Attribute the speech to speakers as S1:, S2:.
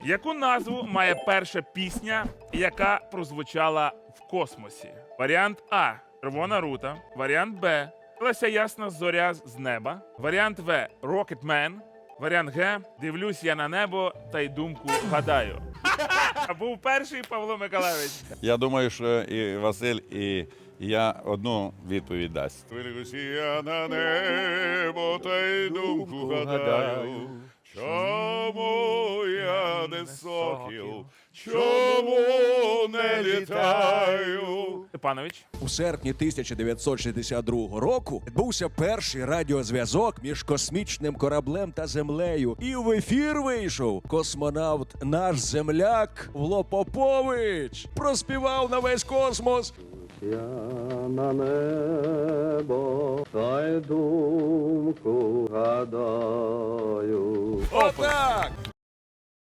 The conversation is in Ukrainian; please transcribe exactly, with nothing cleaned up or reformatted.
S1: Яку назву має перша пісня, яка прозвучала в космосі? Варіант А. Червона рута. Варіант Б. Лася ясна зоря з неба. Варіант В. Rocketman. Варіант Г. Дивлюсь я на небо та й думку гадаю. Був перший Павло Миколайович.
S2: Я думаю, що і Василь, і я одну відповідь дасть. Дивлюсь я на небо та й думку гадаю. Чому я не сокіл? Чому не літаю?
S1: Степанович.
S3: У серпні тисяча дев'ятсот шістдесят другого року відбувся перший радіозв'язок між космічним кораблем та землею. І в ефір вийшов космонавт наш земляк Вло Попович. Проспівав на весь космос.
S4: Я на небо та й думку гадаю.
S3: Отак!